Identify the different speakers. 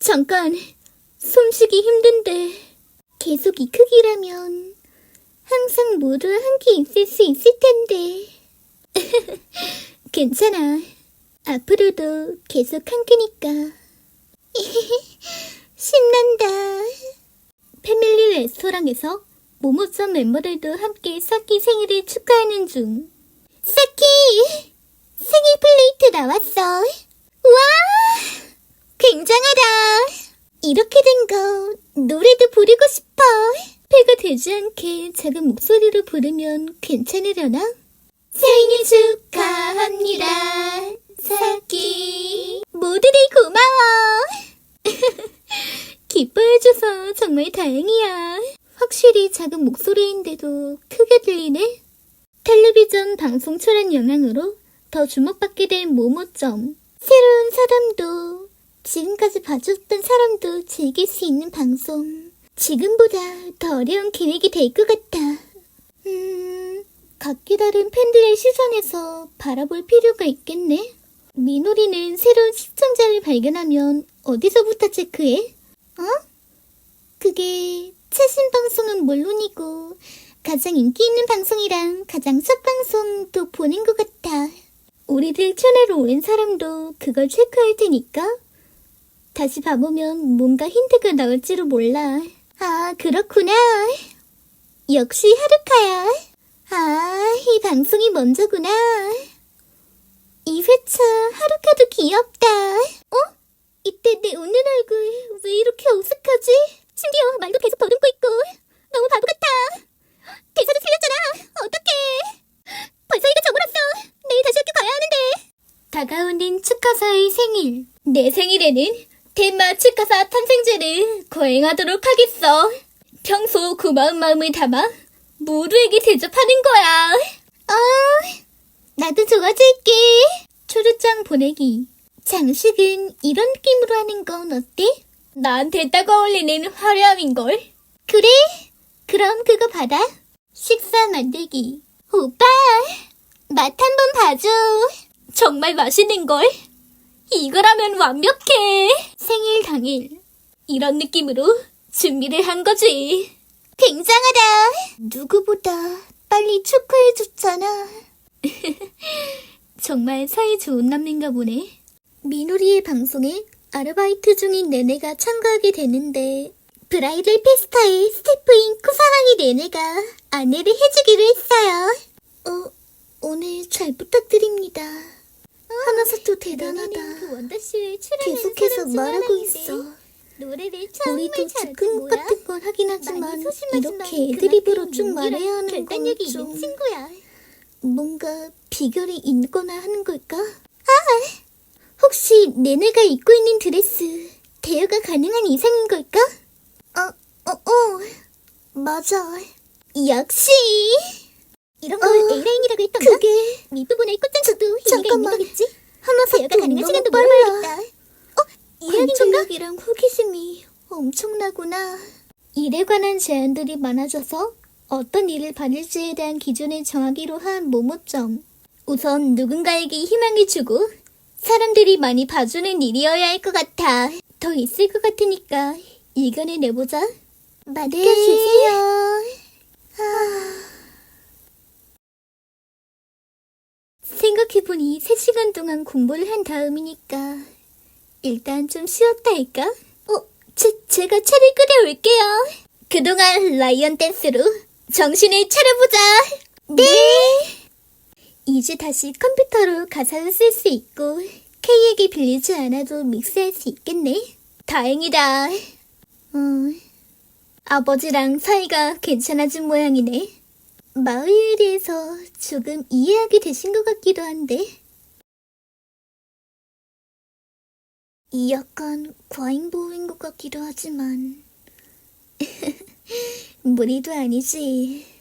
Speaker 1: 잠깐, 숨쉬기 힘든데. 계속 이 크기라면 항상 모두 함께 있을 수 있을 텐데. 괜찮아. 앞으로도 계속 함께니까. 신난다. 패밀리 레스토랑에서 모모점 멤버들도 함께 사키 생일을 축하하는 중. 사키! 생일 플레이트 나왔어. 와! 굉장하다. 이렇게 된 거 노래도 부르고 싶어. 배가 되지 않게 작은 목소리로 부르면 괜찮으려나? 생일 축하합니다, 사키. 모두들 고마워. 기뻐해줘서 정말 다행이야. 확실히 작은 목소리인데도 크게 들리네. 텔레비전 방송 출연 영향으로 더 주목받게 된 모모점. 새로운 사람도 지금까지 봐줬던 사람도 즐길 수 있는 방송. 지금보다 더 어려운 기획이 될 것 같아. 각기 다른 팬들의 시선에서 바라볼 필요가 있겠네. 미노리는 새로운 시청자를 발견하면 어디서부터 체크해? 그게 최신 방송은 물론이고 가장 인기 있는 방송이랑 가장 첫 방송도 보는 것 같아. 우리들 채널에 오른 사람도 그걸 체크할 테니까 다시 봐보면 뭔가 힌트가 나올지도 몰라. 아, 그렇구나. 역시 하루카야. 아, 이 방송이 먼저구나. 이 회차 하루카도 귀엽다. 이때 내 웃는 얼굴 왜 이렇게 어색하지? 심지어 말도 계속 더듬고 있고 너무 바보 같아. 대사도 틀렸잖아. 어떡해. 벌써 이가 저물었어. 내일 다시 학교 가야 하는데. 다가오는 축하사의 생일. 내 생일에는 텐마 축하사 탄생제를 거행하도록 하겠어. 평소 고마운 마음을 담아 모두에게 대접하는 거야. 나도 도와줄게. 초르장 보내기. 장식은 이런 느낌으로 하는 건 어때? 나한테 딱 어울리는 화려함인걸. 그래? 그럼 그거 받아. 식사 만들기. 오빠, 맛 한번 봐줘. 정말 맛있는걸? 이거라면 완벽해. 생일 당일. 이런 느낌으로 준비를 한 거지. 굉장하다. 누구보다 빨리 축하해줬잖아. 정말 사이 좋은 남인가 보네. 미노리의 방송에 아르바이트 중인 네네가 참가하게 되는데 브라이덜 페스타의 스태프인 쿠사랑이 네네가 안내를 해주기로 했어요. 오늘 잘 부탁드립니다. 하나사토 대단하다. 계속해서 말하고 있어. 우리도 즉흥 같은 건 하긴 하지만 이렇게 애드립으로 쭉 말해야 하는 건 좀 뭔가 비결이 있거나 하는 걸까? 혹시 네네가 입고 있는 드레스 대여가 가능한 이상인 걸까? 맞아. 역시 이런 걸 A라인이라고 했던가? 그게 밑부분에 꽂장쳐도 의미가 있는 거겠지? 대여가 가능한 시간도 물어봐야겠다. 관찰력이랑 호기심이 엄청나구나. 일에 관한 제안들이 많아져서 어떤 일을 받을지에 대한 기준을 정하기로 한 모모점. 우선 누군가에게 희망을 주고 사람들이 많이 봐주는 일이어야 할 것 같아. 더 있을 것 같으니까 의견을 내보자. 맡겨주세요. 생각해보니 3시간 동안 공부를 한 다음이니까 일단 좀 쉬었다 할까? 제가 차를 끓여올게요. 그동안 라이언 댄스로 정신을 차려보자. 네. 이제 다시 컴퓨터로 가사를 쓸 수 있고 K에게 빌리지 않아도 믹스할 수 있겠네. 다행이다. 아버지랑 사이가 괜찮아진 모양이네. 마을에 대해서 조금 이해하게 되신 것 같기도 한데. 약간 과잉보호인 것 같기도 하지만 무리도 아니지.